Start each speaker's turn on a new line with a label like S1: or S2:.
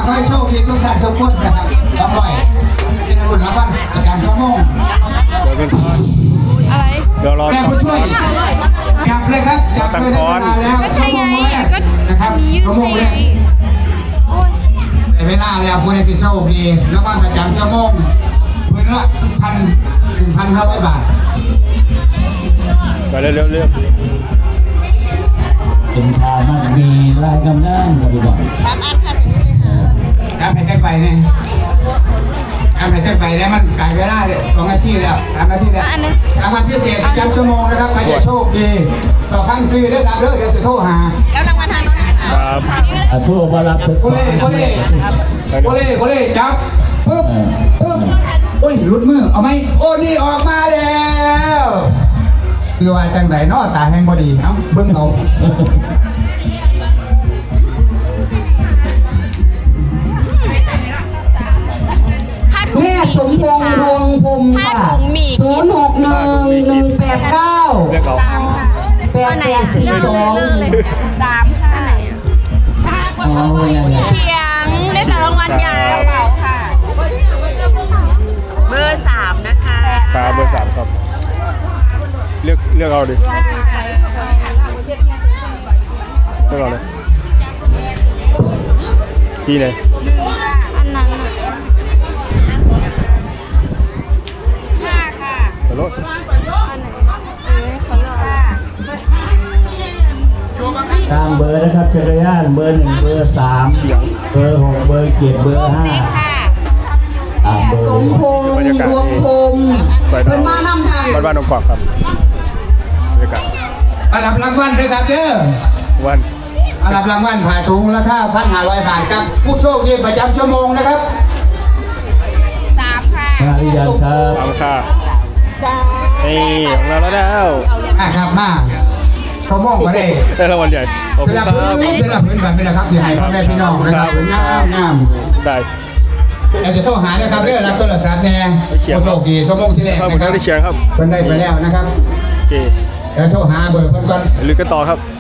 S1: ขอให้โชคดีทุกท่านทุกคนนะครับรับไว้เป็นรุ่นรางวัลประจำชั่วโมง
S2: อะไร
S3: เดี๋ยวรอ
S1: แม่ผู้ช่วยจับเลยครับจับเลยได้เวลาแล้ว
S2: ก็ใช่ไงก็
S1: นะครับ
S2: มียืด
S1: ชั่วโมง
S2: ไง
S1: แรก
S2: โอ้ย
S1: ในเวลาแล้วผู้ใดที่โชคดีรางวัลประจำชั่วโมงพื้นละ1,500 บาท
S3: ไปเร็ว
S4: เป็นทามันมีลายกำนังกับพี่น้อง
S2: 3 อันค่ะเสร็จนี้เลยค่ะ
S1: ครับให้ได้ไปเนี่ยครับให้ได้ไปแล้วมันไกลเวลาเลย2 นาทีแล้ว3 นาทีแล้วรางวัลพิเศษประจำชั่วโมงนะครับใครจะโชคดีต่อพังซื้อได้ครับเดี๋ยวจะโทรหา
S2: แล้วรางวัลทางโน้นนะคะ
S3: ครับ
S4: ทั่วบารับทุก
S1: โคเล่จับปึ๊บโอ้ยหลุดมือเอาไหมโอ้นี่ออกมาแล้วคือว่าจังไหนเนาะตาแห้งพอดีเอ้าเบิ้งเอา
S2: ผ้าถุง
S5: แม่สมพงษ์พงษ์พรมค่ะ
S2: ผ้าถุงหมี่
S5: 061189
S3: เรียกเอา
S5: 8842
S2: 3 ค่ะ
S4: อ๋อยังไง
S2: เขียงได้แต่รางวัลใหญ่กระเป๋าค่ะ เบอร์ 3 นะคะ
S3: ครับเบอร์ 3ครับเลือกเอาดิเลือกเอาเลยที่ไหน
S2: อันนั้น5 ค่ะ
S3: ไปรถ
S2: อันไหนเขาเลือก
S4: ตามเบอร์นะครับจักรยานเบอร์1เบอร์3เบอร์6เบอร์7เบอร์
S2: 5เล็กค่ะ
S4: 5ตามเบอ
S5: สม
S4: ร์
S5: พงษ์ดวงพรม
S3: ใส่
S5: เป็นมานำทาง
S3: บ้านนองกอกครับบรรยากาศ
S1: มารับรางวัลด้วยครับเด้อ
S3: วัน
S1: มารับรางวัลผ่าถุงราคา1,500 บาทครับผู้โชคดีประจำชั่วโมงนะครับ
S2: 3 ค่ะ
S4: มาหรือยังครับ
S3: ตามค่านี่ของเราแล้ว
S1: ครับมาชั่วโมงก็ได้
S3: ได้รางวัลใหญ่ขอบ
S1: เป็
S3: คุ
S1: น
S3: ณ
S1: ละ
S3: ครั
S1: พื้น
S3: บ
S1: เป็นละพื้นแบบเป็นละครับเสียหายพ่อแม่พี่น้องนะครับงาม
S3: ได้
S1: อยากจะโทรหานะครับเด้อรับโทรศัพท์แน่ผู้โชคดีชั่วโมงที่แรก
S3: ครับ
S1: นะครับ
S3: ได้เชียร์ครับ
S1: เพิ่นได้ไปแล้วนะครับ
S3: โอเค
S1: แล้วโทรหาเบอร์เพิ่นก่อน
S3: ลุยกันต่อครับ